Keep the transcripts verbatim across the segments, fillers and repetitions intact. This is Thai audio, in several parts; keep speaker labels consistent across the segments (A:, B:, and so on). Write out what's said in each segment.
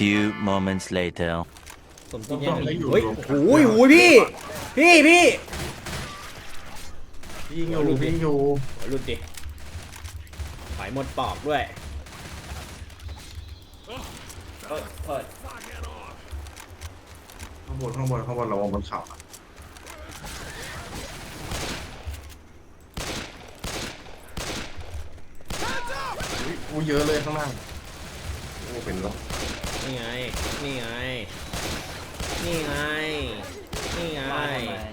A: few moments later
B: สมจริงยัง
C: ไม่อยู่
B: เฮ้ย
C: รวมกัน
B: โอ้ยโอ้ยพี่พี่พี่
C: ยิงอยู่ยิงอยู่
B: โอ้ยหลุดดิไฟหมดปอกด้วย
D: เปิดเปิด
C: ข้างบนข้างบนข้างบนระวังบนเขาอะอุ๊ยอู้เยอะเลยข้างล่างโอ้เป็นรถ
B: นี่ไงนี่ไงนี่ไงนี่ไง
D: มาทำไม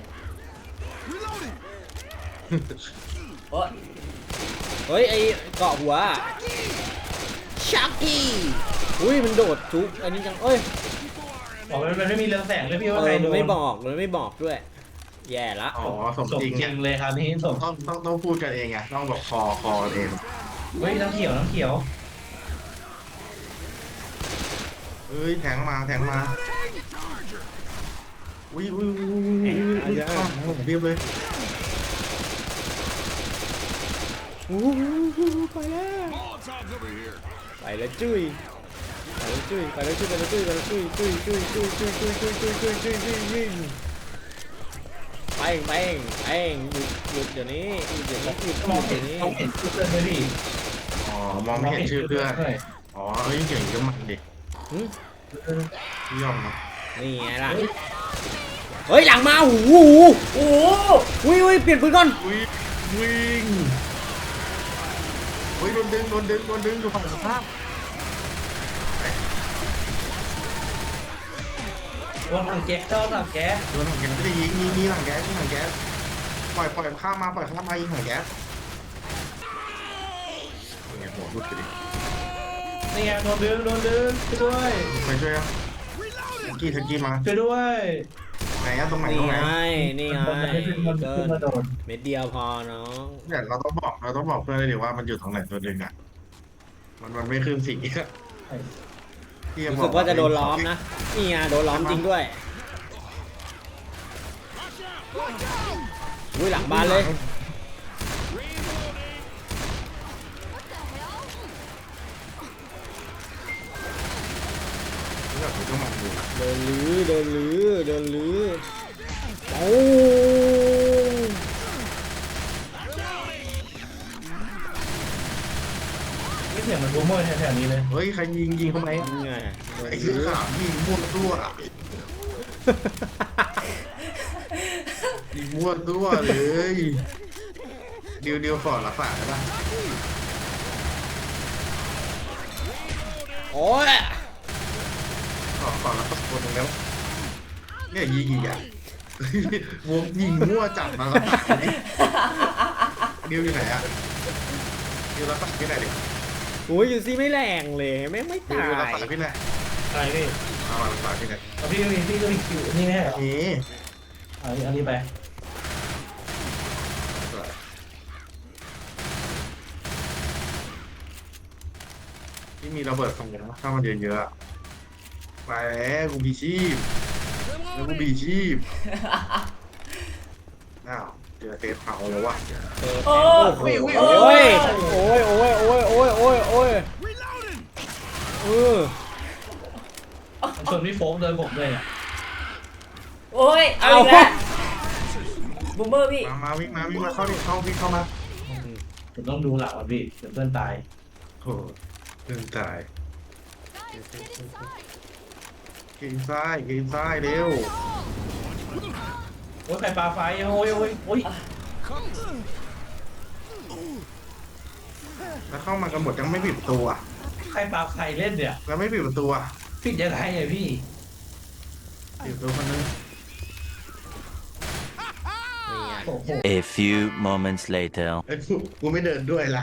D: เฮ้ย
B: เฮ้ยไอเกาะหัวชักกี้อุ้ยมันโดดทุกอันนี้จังเอ้ย
E: บอกมันมันไม่มีเรืองแสงเลยพี่
B: เอ
E: ว่าใคร
B: อ
E: โด
B: มัน
E: น
B: ไม่บอกมันไม่บอกด้วยแย่ละ
C: อ๋อสม
E: สม
C: จริง
E: จริ
C: อะ
E: งเลยครับนี่สม
C: ต้องต้องต้องพูดกันเองไงต้องบอกคอคอกันเอง
E: เฮ้ยน้ำเขียวน้ำเขียว
C: เอ้ยแทงมาแทงมาอุ้ยอุ้ยอุ้ยอุ้ยอุ้ยอุ้ยข้างหลังผมเรียบเลย
B: โอ้โหไปแล้วไปแล้วจุ้ยไปแล้วจุ้ยไปแล้วจุ้ยไปแล้วจุ้ยไปแล้วจุ้ยจุ้ยจุ้ยจุ้ยจุ้ยจุ้ยจุ้ยจุ้ยจุ้ยจุ้ยจุ้ยจุ้ยไปไปไปหยุดหยุดเดี๋ยวนี้หยุดเดี๋ยวนี้หยุด
E: มอง
B: เดี๋
E: เห็
B: ย
E: น
B: วนี้
E: มองเห็นชื่อเพื่อนเลยพี่
C: อ๋อมองไม่เห็นชื่อเพื่อน
E: ใช่
C: อ๋อเอ้ยเก่งก็มันดิ
B: หึ
C: พี่ยอมนะ
B: นี่ไงล่ะเฮ้ยหลังมาหูหู
D: โอ้โห
B: อุ้ยอุ้ยเปลี่ยนปืนก่อน
C: อุ้ยวิ่งอุ้ยโดนดึงโดนดึงโดนดึงอยู่ฝั่งตรงข้าม
E: ว่าทางแก๊สเจ้าทางแก๊ส
C: โดนถังแก๊สไม่ได้ยิงมีมีถังแก๊สมีถังแก๊สปล่อยปล่อยข้ามมาปล่อยข้ามมายิงถังแก๊สเนี่ยหัวรุดไปดิ
E: นี่ไงโดนดึงโดนดึงช่วยด้วย
C: ไปช่วยอ่ะทักกี้ทักกี้มา
E: ช่วยด้วย
C: ไหนอะตรงไหน
B: นี่
C: ตรงไหน
B: ไงนี่ไง
E: มันให้ขึ้นมัน
B: เกิ
E: ขึ้น
B: น
E: มาโดน
B: เม็ดเดียวพอน้อง
C: เนี่ยเราต้องบอกเราต้องบอกเพื่อนเลยดิว่ามันอยู่ตรงไหนตัวดึงอ่ะมันมันไม่ขึ้นสีอ่ะที่
B: รู้
C: บ
B: สึกว่าจะโดนล้อมนะนี่ไงโดนล้อมจริงด้วยอุ้ยหลังบ้านเลย
C: แบบนี้ก็มันอยู่นะ
B: เดินลื้อเดินลื้อเดินลื้อโอ้
E: นี่เสียงมันบูมเมอร์แถวๆนี้เลย
C: เฮ้ยใครยิงยิงทำไม
B: นี่ไง
C: ไอ้เสื้อขาวยิงมั่วตัวอะยิงมั่วตัวเลยเดียวเดียวก่อนละฝากได้ปะ
B: โอ้ย
C: ก่อนก่อนละฝากคนตรงนี้เนี่ยยิงอีกอ่ะวงยิงมั่วจัดมาละฝากนี้เดียวอยู่ไหนอ่ะเดียวละฝากที่ไหนดิ
B: โอ้ยอยู่ซี่ไม่แรงเลยแม่งไม่
C: เดียว
B: ตา
C: ละ
B: ย
C: ฝากที่ไหน
E: อะไรพี่
C: เอามาละฝากที่ไหน
E: เอาพี่ก็มีพี่ก็มีคิวนี่แม่เหรอ
C: นี่
E: เอาอันนี้ไป
C: ที่มีระเบิดตรงนี้ถ้ามันเยอะๆอะไปแล้วกูมีชีพแล้วกูมีชีพอ้าวเจอเทปเผาแล้ววะ
D: โอ้
B: โอ้
D: ย
B: ย
D: โอ้
B: โอ้
D: ย
B: ยโอ้ยโอ้ยโอ้ยโอ้ยโอ้ยโอ้ยเออ
E: มันชวนพี่โฟกเดินผมเลยอ่ะ
D: โอ้ยเอาอีกแล้วบูมเมอร์พี่
C: มามาวิ่งมาวิ่งมาเข้าดิเข้าวิ่งเข้ามา
E: ผมต้องดูหลักอ่ะพี่เดี๋ยวเพื่อนตาย
C: โอ้เดินตายกินซ้ายกินซ้ายเร็ว
E: โอ้ยใครปลาไฟโอ้ยโอ้ยโอ้ย
C: แล้วเข้ามากันหมดยังไม่ปิดประตูอ่ะ
E: ใครปลาไฟเล่นเนี่ย
C: แล้วไม่ปิดประตูอ่ะ
E: ปิดยังไงอ่ะพี่
C: ปิดประตูคนนึง
B: นี่ไง
E: โอ้โห
A: A few moments later
C: ไอ้ยกูกูไม่เดินด้วยละ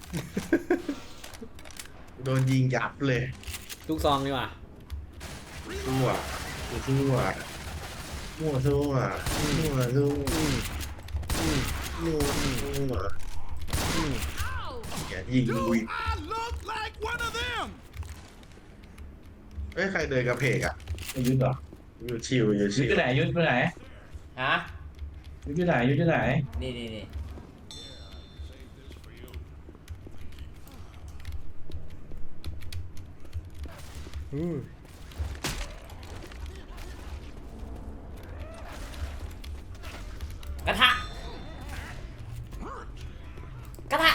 C: โดนยิงยับเลย
B: ทุกซองดีกว่า
C: ซั่วกูซั่วมั่วซั่วมั่วซั่ว
B: อืมอืม
C: มั่วซั่ว
B: อืม
C: อย่ายิงกูอีกเอ้ยใครเดินกระเพกอ่ะ
E: ไอ้ยุทธเหรอ
C: อยู่ชิวอยู่
E: ยุ
C: ชิ
E: ทธ
C: ว
E: อยู่ไหนยุทธอยู่ไหน
D: ฮะ
E: ยุทธอยู่ไหนยุทธอยู่ไหน
D: นี่นี่นี่
B: อืม
D: กระทะกระทะ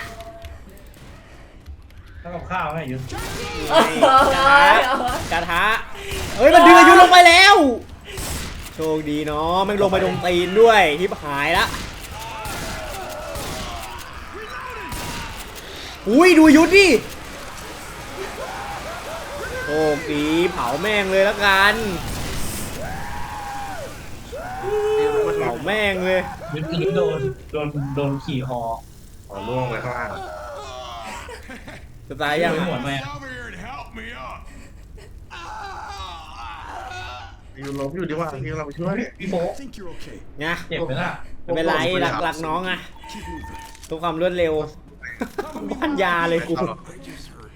E: ทำกับข้าวให้ยุทธ
D: เอ้ย
B: กระทะ
D: เอาวะ
B: กระทะเฮ้ยมันดึงอายุลงไปแล้วโชคดีเนาะมันลงไปตรงตีนด้วยทิพหายละอุ้ยดูยุทธดิโชคดีเผาแม่งเลยแล้วกันเผาแม่งเลย
E: ยุทธยุทธโดนโดนโดนขี่คอ
C: อ๋อล่วงไปข้างล่าง
B: จะตายยัง
E: ไม่หม
B: อะ
E: ดไหม
F: Over here and help me up.
C: อยู่ล้มอยู่ดีกว่าพี่เราไปช่วย
E: พี่โฟก
F: I think you're okay.
B: ไง
E: เจ็บไหมล่ะ
B: ไม่เป็นไรหลักหลักน้องอะ
F: Keep moving.
B: ทุกความรวดเร็วพันยาเลยกู
F: I just hurt.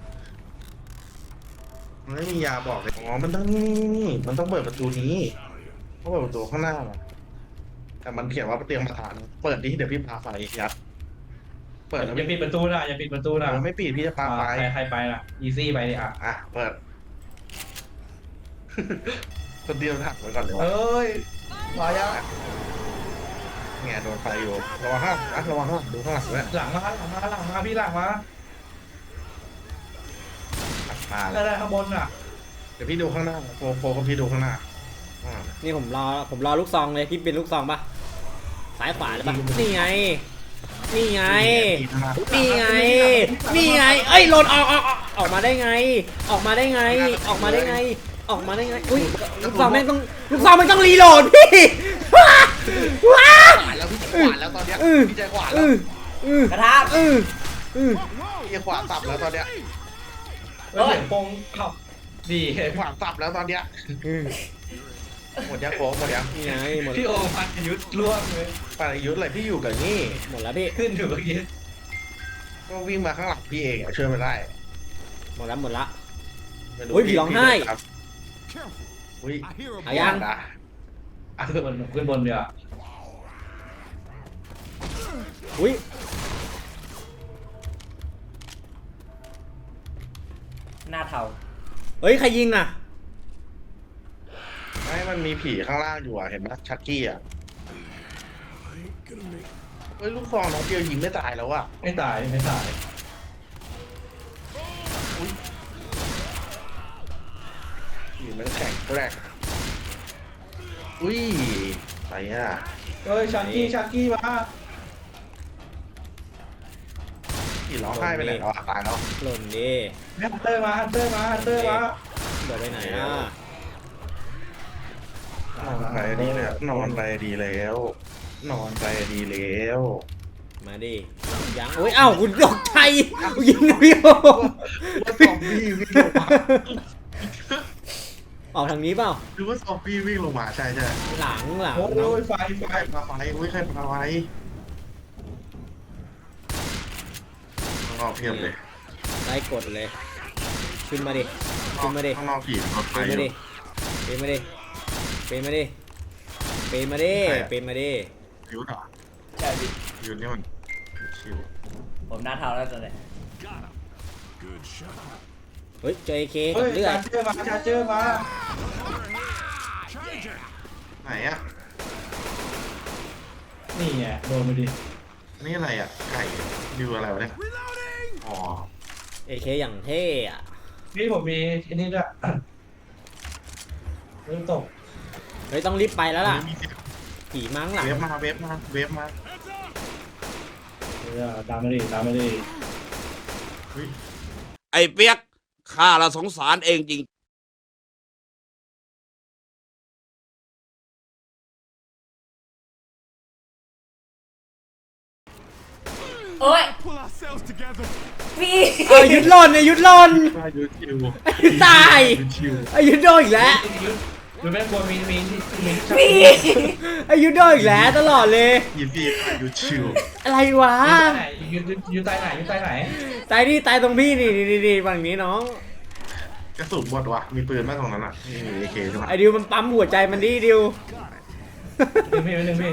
C: มันไม่มียาบอกเลยอ๋อมันต้องนี่นี่นี่มันต้องเปิดประตูนี้ต้องเปิดประตูข้างหน้ามาแต่มันเขียนว่าเตรียมมาฐานเปิดดิเดี๋ยวพี่พาไปยัดเปิดแล้ว
E: อย่าปิดประตูนะอย่าปิดประตูนะ
C: ไม่ปิดพี่จะพาไป
E: ใครใครไปล่ะอีซี่ไปดิอ่ะ
C: อ่ะเปิด คนเดียวถักไว้ก่อนเลยวะ
E: เอ้ยมายัง
C: แง่โดนไฟอยู่ระวังข้างหลังระวังข้างหลังดูข้างหลังด้วย
E: หลังมาหลังมาหลังมาพี่หลังมา
C: มา
E: ได้
C: แล้ว
E: ได้ข้างบนอ่ะ
C: เดี๋ยวพี่ดูข้างหน้าโฟโฟกับพี่ดูข้างหน้าอ่า
B: นี่ผมรอผมรอลูกซองเลยพี่เป็นลูกซองปะซ้ายขวาเลยปะนี่ไง นี่ไง นี่ไง นี่ไง เอ้ยหล่นออกออกออกออกมาได้ไง ออกมาได้ไง ออกมาได้ไง ออกมาได้ไง อุ้ยลูกซองแม่งต้องลูกซองมันต้องรีโหลดพี่ว้าว้า
C: ขวานแล้วพี่ขวานแล้วตอนเนี้ย
B: อือ
C: พี่ใจขวาน
B: อื
C: แล้ว
B: ออือก
D: ระทะ
B: อืออือ
C: พี่ขวานสับแล้วตอนเนี้ย
E: แล้วเสียงปงเอ้าดีเห็น
C: ขวานสับแล้วตอนเนี้ย
B: อือ
C: หมดยังโฟหมดยัง
B: นี่ไงหมด
E: พี่โอพันยุทธล่วงเลย
C: ปายุทธอะไรพี่อยู่กับนี่
B: หมดแล้วพี่
E: ขึ้นอยู่เมื่อกี้
C: ก็วิ่งมาข้างหลังพี่เองอะช่วยไม่ได้
B: หมดแล้วหมดละ
C: ไม่รู้
B: อุ๊ยผีร้องไห้
C: ครับ
F: Careful.
C: อุ้ย
F: I hear a
B: เอายัง
C: นะ
E: อ่ะขึ้นบนขึ้นบนเดี๋ยว
B: อุ้ย
D: หน้าเทา
B: เฮ้ยใครยิงอ่ะ
C: ไม่มันมีผีข้างล่างอยู่อะเห็นไหมชักกี้อะ
F: I ain't gonna make
C: เฮ้ยลูกซองน้องเดียวยิงไม่ตายแล้วอะ
E: ไม่ตายไม่ตาย
C: ผีมันแข็งแกร่งอุ้ยไปอะ
E: เฮ้ยชักกี้ชักกี้มา
C: ผีร้องไห้ไปไหนแล้วอะตายแล้ว
B: หล่นดิ
E: ฮันเตอร์มาฮันเตอร์มาฮันเตอร์มา
B: เดี๋ยวไปไหนอ่ะ
C: นอนไปดีแล้วนอนไปดีแล้ว นอนไปดีแล้ว
B: มาดิยังโอ้ยเอ้าคุณตกใจกูยิงพี่โอ
C: ว่าซอมบี้วิ่งลงมา
B: ออกทางนี้เปล่า
C: หรือว่าซอมบี้วิ่งลงมาใช่ใช่
B: หลังหลัง
E: โอ้
B: เนาะ
E: ยไฟไฟ
C: ใครพาไฟอุ้ยใครพาไฟข้างนอกเพียบเลย
B: ไล่กดเลยขึ้นมาดิขึ้นมาดิ
C: ข้างนอกผีรถไฟ
B: ปีน
C: อ
B: มา
C: ยู่
B: ดิปีนมาดิปีนมาดิปีนมาดิ
C: ใครอะ
B: ปีนมาดิ
C: ยูนเหรอ
D: ใช่พี่
C: ยูนนี่มันชิว
D: ผมหน้าเทาแล้วตอนนี้
F: got him. Good shot.
B: เฮ้ยเจอเค
E: เฮ้
B: กับ
E: ย
B: เลือ
E: ชา
B: ด
E: ร์เจอร์มาชาร์เจอร์มา
F: Charger.
C: ไหนอะ
E: นี่ไงโดนไปดิ
C: นี่อะไรอะไก่ดูอะไรวะเนี่ย
F: Reloading.
C: อ๋อ
B: เอเคอย่างเท่อะ
E: นี่ผมมีอันนี้ด้วยเริ่มตก
B: เฮ้ยต้องรีบไปแล้วล่ะ
C: มีเสียง
B: ผีมั้งหลัง
C: เวฟมาเวฟมาเวฟมา
E: เออตามมาดิตามมาดิ
C: เฮ้ย
G: ไอ้เปียกข้าละสงสารเองจริง
D: โอ้ย
F: Pull ourselves together.
D: พี่
B: เอายุดหล่นไอ้ยุดหล่น
C: มายูชิว
B: ไอ้ยุดตาย
C: ยูชิว
B: ไอ้ยุดโดนอีกแล้ว
E: ยุดยุดแม่งกลัวมีมีมี
D: พี่
B: ไอ้ยุดโดนอีกแล้วตลอดเลย
C: ยีฟีมายูชิว
B: อะไรวะ
E: ยุดยุดยุดตายไหนยุดตายไหน
B: ตายนี่ตายตรงพี่นี่นี่นี่นี่ฝั่งนี้น้อง
C: กระสุนหมดวะมีปืนไหมตรงนั้นอะนี่มีเอเคใช่ไหม
B: ไอ้ดิวมันปั๊มหัวใจมันดิดิว
E: หนึ่งพี่หนึ่งพี่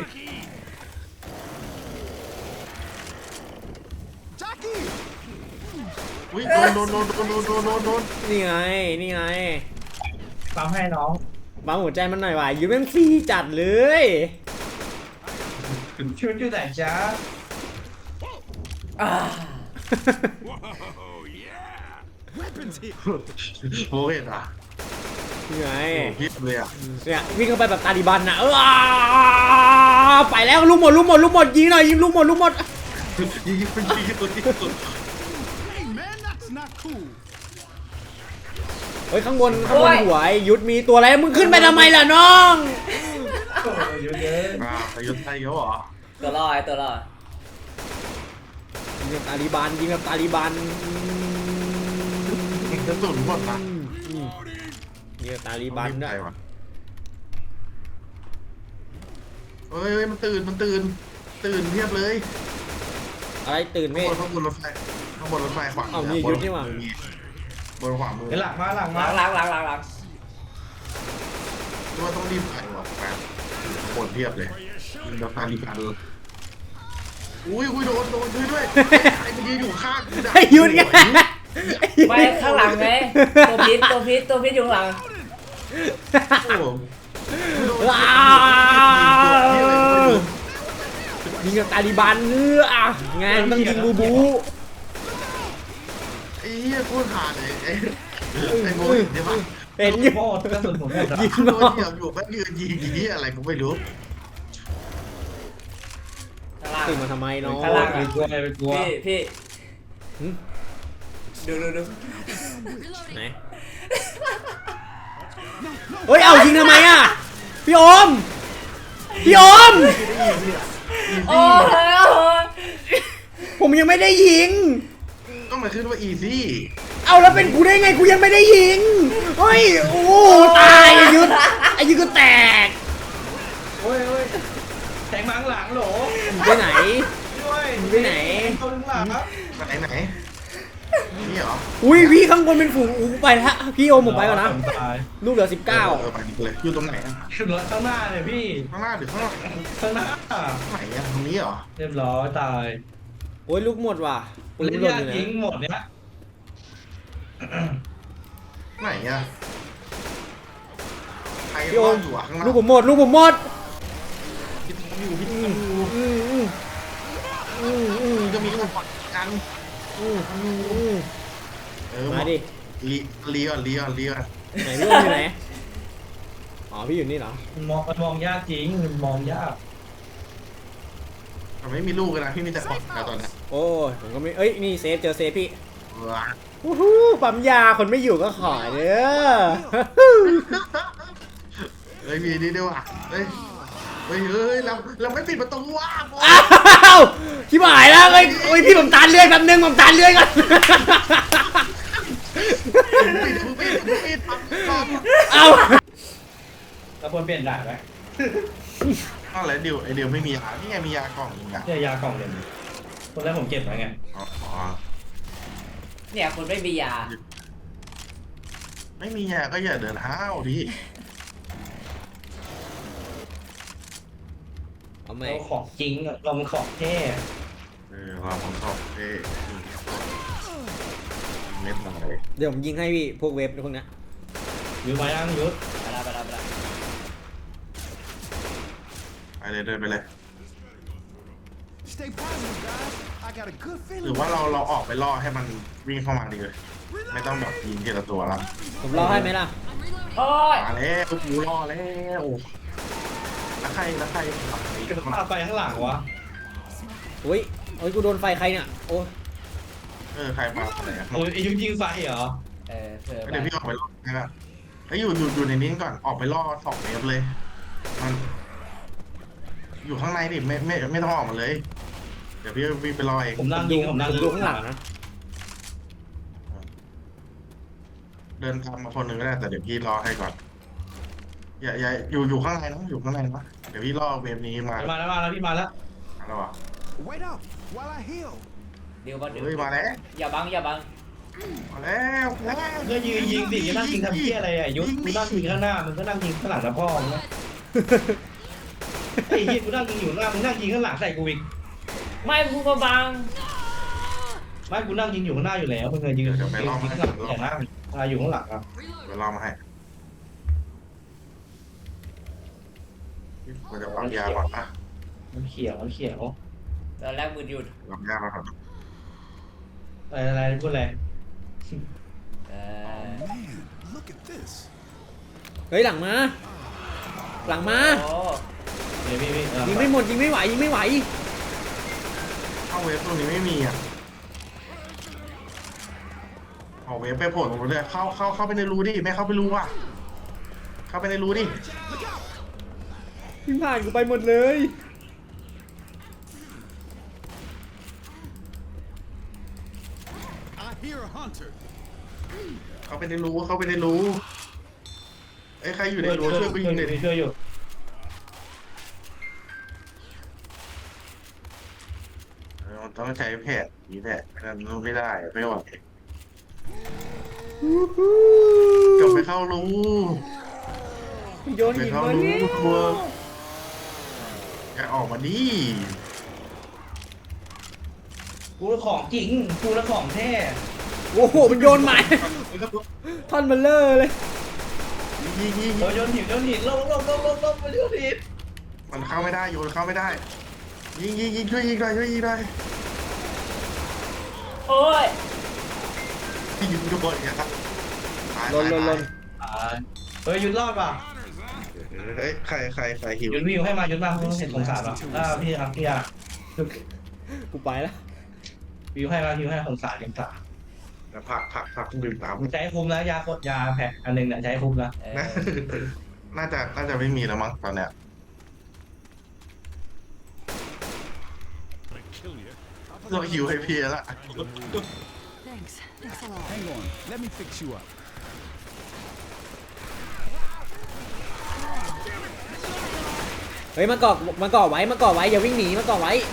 F: Jackie.
C: อุ้ยโดนโดนโดนโดนโดนโดนโดนโดน
B: นี่ไงนี่ไง
E: ปั๊มให้น้อง
B: ปั๊มหัวใจมันหน่อยว่ะยูแม่งฟรีจัดเลย
C: จ
E: ชุดอยู่ไหนจ๊ะ
D: อ่า
F: Whoa, yeah. Weapons here.
C: โอ้ยอ่ะ
B: นี่ไง
C: พิษเลยอ่ะ
B: เนี่ยวิ่งเข้าไปแบบตาลิบันนะเออไปแล้วลูกหมดลูกหมดลูกหมดยิงหน่อยยิงลูกหมดลูกหมด
C: ยิงยิงยิงตัวที่สุด
F: Hey, man, that's not cool.
B: เฮ้ยข้างบนข้างบนหัวไอ้ยุทธมีตัวอะไรมึงขึ้นไปทำไมล่ะน้อง
E: โอ้ยเยอะเยอะ
C: อ่าประยุทธ์ไทยเขาเหรอ
D: ตัวรอดตัวรอด
B: ยิงแบบตาลิบันยิงแบบตาลิบัน
C: กระสุนหมดนะ
B: ยิงแบบตาลิบันด้วย
C: วะเฮ้ยเฮ้ยมันตื่นมันตื่นตื่นเพียบเลย
B: อะไรตื่น
C: ข้าง
B: ไม่
C: บนข้างบนรถไฟข้างบนรถไฟขวา
B: เอ้านี่ยุทธนี่หว่า
C: บนขวามือ
E: เดี๋ยวหลังมาหลัง
D: ห
E: มา
D: ลังหลังหลังหลังหลัง
C: ว่าต้องรีบไปว่ะแฟนบนเพียบเลยยิงแบบตาลิบันเลยอุ้ยอุ้ยโดนโดนด้วยด้วยไอ้เมื่อกี้อยู่ข้างกู
B: ไอ้ยุทธไง
D: ไม่ข้างหลังไงตัวพิษตัวพิษตัวพิษอยู่ข้างหลัง
C: โอ้โห
B: ว้าวยิงกับตาลิบันเอออ่ะงานต้องยิงบูบู
C: ไอ้เหี้ยพูดผ่านเลยไอ้ไอ้โมยเดี๋ยวมา
B: เห็นอยู่
E: โม่กระสุนผมหมดอ่ะ
B: ยิง
C: โด
B: น้อน ง
C: เดี่ยวอยู่แป๊บยืนยิงอย่างนี้อะไรกูไม่รู้
D: ข้างล่าง
B: ตื่นมาทำไมน้อง
D: ข้างล่าง
E: ไปกลัวไปกลัว
D: พี่พี่
B: หึ
D: ดูดูดู
B: ไหนเฮ้ยเอายิงทำไมอ่ะพี่โอมพี่โอม
D: โอ้ย
B: ผมยังไม่ได้ยิง
C: ก็มาขึ้นว่าอีซี่
B: เอาแล้วเป็นกูได้ไงกูยังไม่ได้ยิงเฮ้ยโอ้ตายไอ้ยุทธไอ้ยุทธก็แตก
E: โอ้ยโอ้ยแทงมาข้างหลังโหล
B: มึงไปไหน
E: ด้วย
B: มึงไปไหน
E: ตัวข้างหลังครับ
C: ไหนไหนนี่เหรอ
B: อุ้ยพี่ข้างบนเป็นฝูงอู้ไปละพี่โอมผมไปก่อนนะ
E: ตาย
B: ลูกเหลือสิบเก้า
C: เออไปดิเลยอยู่ตรงไหนอะ
E: ขึ้นรถข้างหน้าเนี่ยพี่
C: ข้างหน้าหรือข้างหลัง
E: ข้างหน้า
C: ไหนอะตรงนี้เหรอ
E: เรียบร้อยตาย
B: โอ้ยลูกหมดว่ะปืน
E: เล่น
B: หล่น
E: ยา
B: อก ยู่
E: ยิง
B: นะ
E: หมดเนี่ย
C: ไหนอะใคร
B: พี่โอ
C: รอ
B: ม
C: ดอยู่อะข้างล่าง
B: ลูกผมหมดลูกผมหมด
C: พี่ทำอยู่พี่ทำอยู่
B: อืมอืมอืมอืม
C: จะมีคนฝักกัน
B: อืมอืม
C: เออ
B: มาดิ
C: ลีลีก่อนลีก่อนลีก่อน
B: ไหนพี่โอมอยู่ไหนอ๋อพี่อยู่นี่เหรอ
E: มันมองมันมองยากจริงมันมองยาก
C: แต่ไม่มีลูกกันนะพี่มีแต่ฝักนะตอนนี้
B: โอ้ยผมก็ไม่เอ้ยนี่เซฟเจอเซฟพี่
C: ว้า
B: วู้ฮู้ปั๊มยาคนไม่อยู่ก็ขอเด้อ
C: เฮ้ยมีนี่ด้วยว่ะเฮ้ยเฮ้ยเฮ้ยเราเราไม่ปิดประตูว่ะโอ้ย
B: อ้าวชิบหายแล้วเอ้ยโอ้ยพี่ผมตานเลื่อยแป๊บนึงผมตานเลื่อยก่อน
C: ปิดปิดปิดปิดปั๊บปั๊บ
B: เอา
E: เราควรเปลี่ยนด่านไหม
C: อ้าวแล้วเดี๋ยวไอเดี๋ยวไม่มียานี่ไงมียากล่องนึงอะ
E: เนี่ยยากล่องเดียวคนแรกผมเก็บไว้ไง
C: อ๋อ
D: เนี่ยคนไม่มียา
C: ไม่มียาก็อย่าเดินห้าวดิ
B: เอาไหม
E: เราของจริงอะเรามันของแท้
C: เออเราของชอบเท่เม็ดอะไร
B: เดี๋ยวผมยิงให้พี่พวกเว็บพวกเนี้ย
E: อยู่มายังยุทธ
D: ไปละไปละไปละ
C: ไปเลยเดินไปเลย
F: Stay positive, guys. I got a good
C: หรือ
F: feeling.
C: ว่าเราเราออกไปล่อให้มันวิ่งเข้ามาดีเลย ไม่ต้องแบบยิงทีละตัวละ
B: ผมรอให้ไหมล่ะ
D: โอ้ย
C: มาแล้วกูล่อแล้วแล้วใครแล้วใคร
E: จะพาไปข้างหลังวะ
B: อุ้ยโอ้ยกูโดนไฟใครเนี่ยโอ้ย
C: เออใครมาอะไรอ่ะ
E: โอ้ยไอ้ยุทธยิงไฟเหรอ
D: เออเผื่อ
C: เดี๋ยวพี่ออกไปล่อให้ละไอ้ยอยู่อยู่อยู่ในนี้ก่อนออกไปล่อสองเมตรเลยมันอยู่ข้างในดิไม่ไม่ไม่ต้องออกมาเลย เดี๋ยวพี่วิ่งไปล่อเอง
E: ผมนั่งยิงผมนั่ง
B: ผมดูข้างหลังนะ
C: เดินทางมาคนหนึ่งก็ได้แต่เดี๋ยวพี่รอให้ก่อนอย่าอย่าอยู่อยู่ข้างในนะอยู่ข้างในนะเดี๋ยวพี่รอเวฟนี้มา
E: มาแล้วมาแล้วพี่มาแล้ว
C: มาแล้วอ่ะ
F: Wait up while I heal.
D: เดี๋ยวบังเดี๋ยว
C: เฮ้ยมาแล้ว
D: อย่าบังอย่าบัง
C: มาแล้วมาแล้ว
E: ก็ยิงยิงสิจะนั่งยิงทำเพี้ยอะไรอ่ะยุทธกูนั่งยิงข้างหน้ามึงก็นั่งยิงข้างหลังนะพ่อมึงนะไอ้เหี้ยกูนั่งยิงอยู่ข้างหน้ามึงนั่งยิงข้างหลังใส่กูอีก
D: ไม่พูดมาบัง
E: ไม่กูนั่งยิงอยู่ข้างหน้าอยู่แล้วมึงเคยยิงยิงข้างหลังอย่างนั้นอะไรอยู่ข้างหลังครับ
C: เดี๋ยวรอมาให้มันจะปั๊มยาก่อนนะ
E: มันเขียวมันเขียว
D: ตอนแรกมือหยุด
C: ลำยากแล้วครับ
E: อะไรอะไรพูดอะไร
D: เออ
F: Man, look at this.
B: เฮ้ยหลังมาหลังมา
D: โอ้
E: เดี๋ยวพี่พี่เออ
B: ยิงไม่หมดยิงไม่ไหวยิงไม่ไหว
C: เข้าเวฟตรงนี้ไม่มีอ่ะออกเวฟไปโผล่ตรงนู้นเลยเข้าเข้าเข้าไปในรูดิไม่เข้าไปรูอ่ะเข้าไปในรูดิ
B: ยิงผ่านกูไปหมดเลย
F: I hear a hunter.
C: เข้าไปในรูเข้าไปในรูไอ้ยใครอยู่ในรูช่วยกูยิงหน่อยดิ
E: ช่วยอยู่
C: เออต้องใช้แผนนี้แหละไม่งั้นไม่ได้ไม่ไหวกลับไปเข้ารู
B: โยน
C: ไป
B: หิน
C: เข้า
B: มา
C: รู
B: เนี่ย
C: ทัวร์อย่าออกมาดิ
E: กูละของจริงกูละของแท้
B: โอ้โหมันโยนใหม่ท่อนเบลเลอร์เลย
C: ยิงยิงยิง
E: เราโยนหินโยนหินลงลงลงลงลงมาโยนหิน
C: มันเข้าไม่ได้โยนเข้าไม่ได้ ยิงยิงยิงช่วยยิงหน่อยช่วยยิงหน่อย
D: โอ้ย
C: ยิงโดนอย่างเงี้ยตาย
B: ลนลนลน
E: อ่าเฮ้ยยุนรอดป่ะ
C: เฮ้ยใครใครใครหิว
E: ยุนวิวให้มายุนมาเห็นสงสารป่ะอ่าพี่ครับพี่อ่ะ
B: กูไปแล้ว
E: วิวให้มาวิวให้สงสารสงสาร
C: แล้วผักผักผักดื่มน้ำ
E: ใช้คุ้มนะยาโคตรยาแพ็คอันหนึ่งเนี่ยใช้คุ้มนะ
D: เอ
C: นะ
D: อ
C: น่าจะน่าจะไม่มีแล้วมั้งตอนเนี้ย
F: Kill you.
C: เราหิวให้พี่แล้ว
H: Thanks. Thanks a lot.
F: Hang on. Let me fix you up.
B: เฮ้ยมาเกาะมาเกาะไว้มาเกาะไว้อย่าวิ่งหนีมาเกาะไว้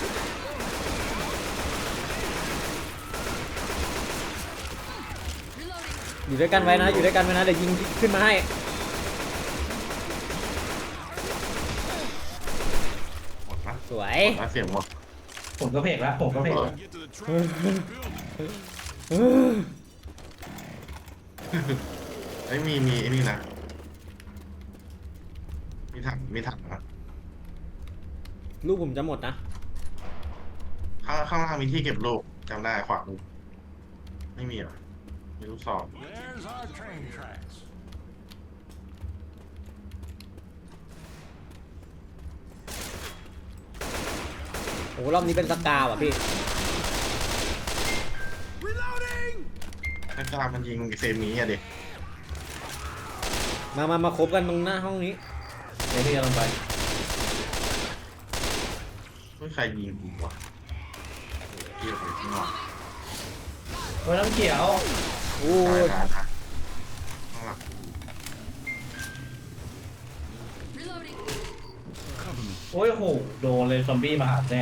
B: อยู่ด้วยกันไว้นะอยู่ด้วยกันไว้นะเดี๋ยวยิงขึ้นมาให้
C: หมดนะ
B: สวย
C: หมดนะเสียงหมด
E: ผมก็เพกแล้วผมก็เพกแล้ว
F: Get to the truck. Building.
C: ไอ้ยมีมีไอ้นี่นะมีถังมีถังนะ
B: ลูกผมจะหมดนะ
C: ข้างข้างล่างมีที่เก็บลูกจำได้ขวามือไม่มีเหรอมีลูกซอง
F: There's our train tracks.
B: โอ้โหรอบนี้เป็นสกาว่ะพี่
F: Reloading.
C: ถ้ากล้ามันยิงเซมีอะเด็ก
B: มามามาคบกันตรงหน้าห้องนี้
E: เดี๋ยวพี่จะลงไป
C: ไม่ใครยิงกูวะเกี่ยวไปข้างนอก
E: โอ้ยน้ำเขียว
B: โอ้
C: ตาย
B: ย
C: ตายตายข้างหลัง
F: Cover me.
E: โอ้ยโหโดนเลยซอมบี้มาหาแน่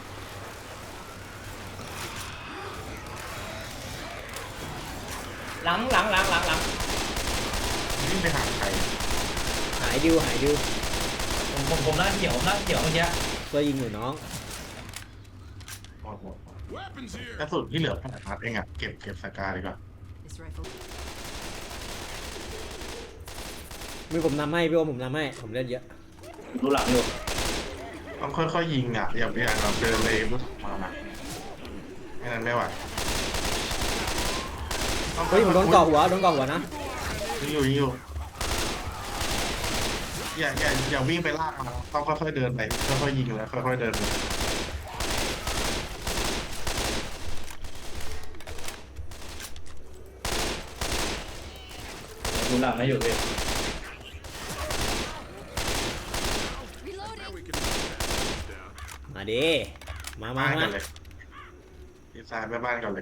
D: หลังหลังหลังหลังหลัง
C: วิ่งไปหาใคร
B: หายดิวหายดิว
E: ผมผมผมหน้าเขียวหน้าเขียวเมื่อกี้
B: ช่วยยิงหน่อยน้อง
C: หมดหมด
F: Weapons here.
C: กระสุนที่เหลือแปดนัดเองอะเก็บเก็บสกาดีกว่า
H: This rifle.
B: มีผมนำให้พี่โอมผมนำให้ผมเล่นเยอะ
E: ดูหลังอยู่
C: ต้องค่อยๆยิงอะอย่าอย่าแบบเดินเลยรู้สึกมานะไม่นั้นไม่ไหวต้อง
B: เฮ้ยผมโดนเกาะหัวโดนเกาะหัวนะ
C: ยิงอยู่ยิงอยู่อย่าอย่าอย่าวิ่งไปลากมันต้องค่อยๆเดินไปค่อยๆยิงแล้วค่อยๆเดินไป
E: ดูหลังให้อยู่พี่
B: มาดิมามา
C: บ้าน
B: มา
C: กันเลยดีไซน์ไปบ้านกันเลย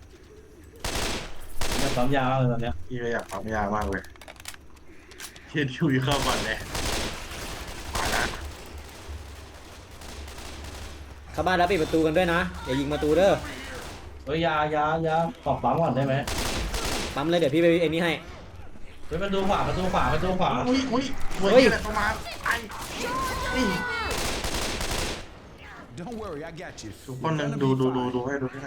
E: จะปั๊มยาวเลยตอนเนี้ย
C: พี่ก็อยากปั๊มยามากเลยเทียนชุยเข้าก่อนเลยมาแล้ว
B: เข้าบ้านแล้วปิดประตูกันด้วยนะอย่ายิงประตูเด้อ
E: เฮ้ยยายายาขอบปั๊มก่อนได้ไหม
B: ปั๊มเลยเดี๋ยวพี่ไปไอ้นี่ให้
E: เฮ้ยประตูขวาประตูขวาประตูขวา
C: อุ้ยอุ้ยเว้
B: เฮ้
C: ย
B: ย
C: อะไรประมาณไอ้นี่
F: Don't worry, I got you.
C: ทุกคนหนึ่งดูดูดูดูให้ดูให้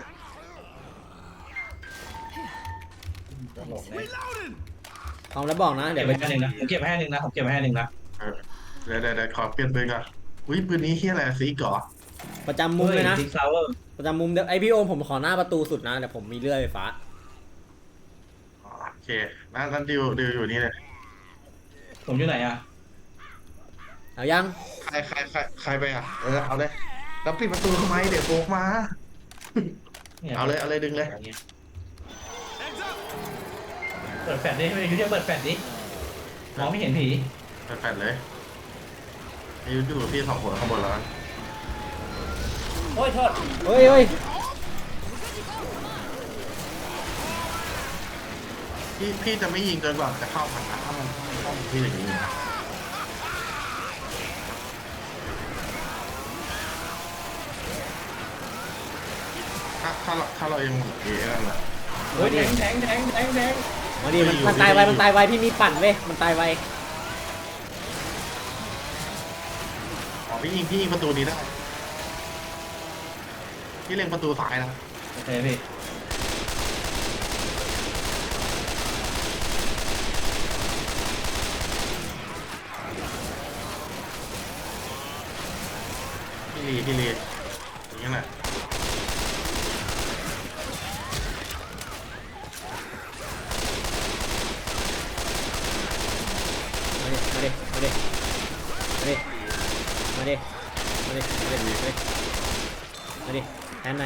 F: Reloading.
B: เอาแล้วบอกนะ
E: เก็
B: เดี๋
E: บ
B: ยว
E: ไว้
B: ไป
E: ให้หนึ่งนะผมเก็บไว้ให้หนึ่งนะผมเก็บไว้ให้หนึ่งนะ
C: เออเดี๋ยวเดี๋ยวเดี๋ยวขอเปลี่ยนปืนก่อนอุ้ยปืนนี้เฮียอะไรซีก่อ
B: ประจำมุมเลยนะ
E: ซิกซาวเวอร์
B: ประจำมุมเดี๋ยวไอพี่โอมผมขอหน้าประตูสุดนะแต่ผมมีเลื่อยไฟฟ้า
C: โอเคนั่นนั่นดิวดิวอยู่นี่เลย
E: ผมอยู่ไหนอ่ะ
B: เอายัง
C: ใครใครใครใครไปอ่ะเออเอาเลยแล้วปิดประตูทำไมเดี๋ยวโบกมา เอาเลยเอาเลยดึงเลย
E: เปิดแฟลชดิไม่ยุทธเปิดแฟลชดิมองไม่เห็นผี
C: เปิดแฟลชเลยอายุอยู่พี่สองคนข้างบนแล้วกัน
D: โอ้ยโทษ
B: เฮ้ยเฮ้ย
C: พี่พี่จะไม่ยิงเกินกว่าจะเข้าผ่านถ้ามันต้องพี่อย่างนี้นะถ้าถ้าเราถ้าเรายังเอ๋นั่นแหละ
E: โอ้ยแทงแทงแทงแทงแทง
B: มาดิมันมันตายไวมันตายไวพี่มีปั่นเว้ยมันตายไว
C: อ๋อพี่ยิงพี่ยิงประตูนี้ได้พี่เล็งประตูซ้ายนะ
E: โอเคพี่
C: พี่ลีพี่ลีอย่างนี้แหละ
B: มาดิมาดิมาดิมาดิมาดิมาดิมาดิมาดิมาดิแทนหน่อย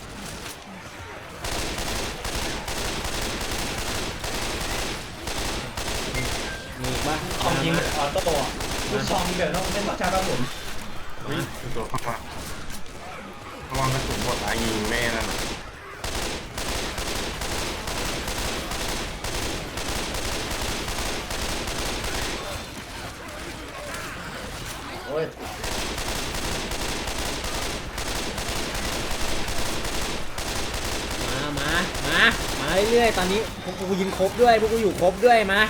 B: มีอีกปะ
E: คอมยิงออโต้ลูกซองเดี๋ยวต้องเล่นบัตรชาติครับผม
C: เฮ้ยตัวเข้ามาระวังกระสุนหมดนะยิงแม่นั่นน่ะ
E: โอ้ย
B: มามามามาเรื่อยๆตอนนี้พวกกูยิงครบด้วยพวกกูอยู่ครบด้วยมา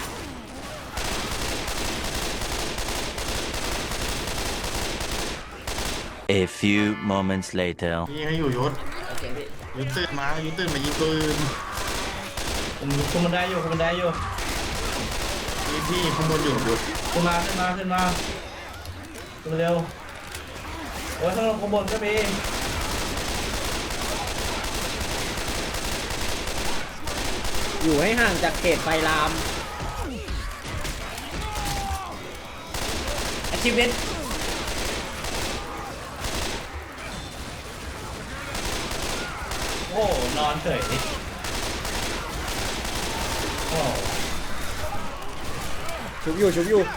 A: A few moments later.
C: ยิงให้อยู่ยศ
D: โอเคพี่
C: ยุดตื่นมายุดตื่นมายิงปืน
E: ผมคุมมันได้อยู่คุมมันได้อยู่
C: พี่พี่ข้างบนอยู่ยุด
E: ขึ้นมาขึ้นมาขึ้นมาขึ้นมาเร็วโอ้ยข้างลงข้างบนก็มี
B: อยู่ให้ห่างจากเขตไฟลาม
D: achievement
E: โอ้นอนเฉยโอ้
B: ชุบอยู่ชุบอยู่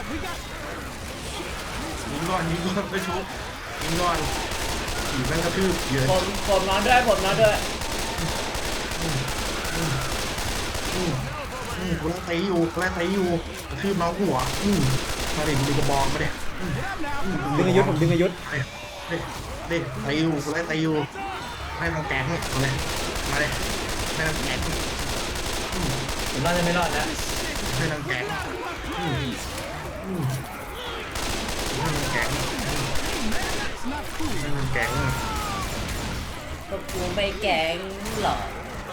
C: ยิงก่อนยิงก่อนไปชุบยิงก่อนผีแม่งกระทืบเยอะ
D: ผมผมนอนด้วยผมนอนด้วย
C: อืมกูไล่ตีอยู่กูไล่ตีอยู่กระทืบน้องหัวอืมมาเด็กดูกระบองมาเด็ก
B: ดึงอายุธผมดึงอายุธ
C: เด็กเด็กตีอยู่กูไล่ตีอยู่ให้น้องแก๊งมาเลยมาเลยให้น้องแก๊ง
E: ผมน่าจะไม่รอดแล้ว
C: ให้น้องแก๊งอืมอืมให้น้องแก๊งให้น้องแก๊ง
D: พวกกูไม่แกล้งหรอก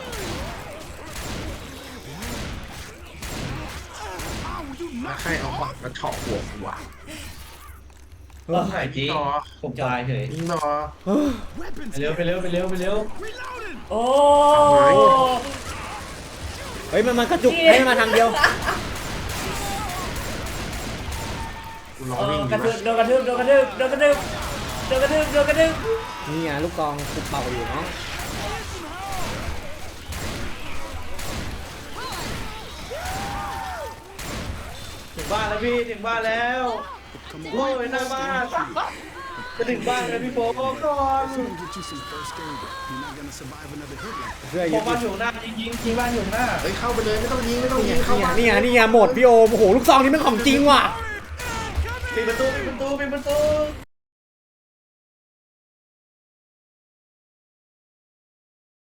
C: แล้วใครเอาขวานมาเฉาะหัวกูวะ
E: ต้องถ่ายจี
C: ต่อ
E: ผมตายเฉย
C: ยิงต่อ
E: ไปเร็วไปเร็วไปเร็วไปเร็ว
D: โอ้
B: เฮ้ยมันมันกระจุกให้มันมาทางเดียว
C: กูรอ
D: เอ
C: วิ่
D: อง
C: อก
D: ระ
C: ยู่
D: ทืบ
C: นะ
D: โดนกระทืบโดนกระทืบโดนกระทืบโดนกระทืบโดนกระทืบ
B: นี่ไงลูกกองกูเป่าอยู่น้อง
E: ถึงบ้านแล้วพี่ถึงบ้านแล้วโอ้ยหน้าบ้านจะถึงบ้านแล้วพี่โฟก่อน
F: Get you some first aid. You're not gonna survive another hit like
B: เพื่อ
E: ผ
B: ยึ
E: ม
B: ด
E: บ้านอยู่หน้ายิงยิงยิงบ้านอยู่หน้า
C: เฮ้ยเข้าไปเลยไม่ต้องยิงไม่ต้อง
B: นี่
C: ยิ
B: ไง
C: งเข้ามา
B: นี่ไงนี่ไงนี่ไงหมดพี่โอมโอ้โหลูกซองนี่มันของจริงว่ะ
E: ปิดประตูปิดประตูปิดประตู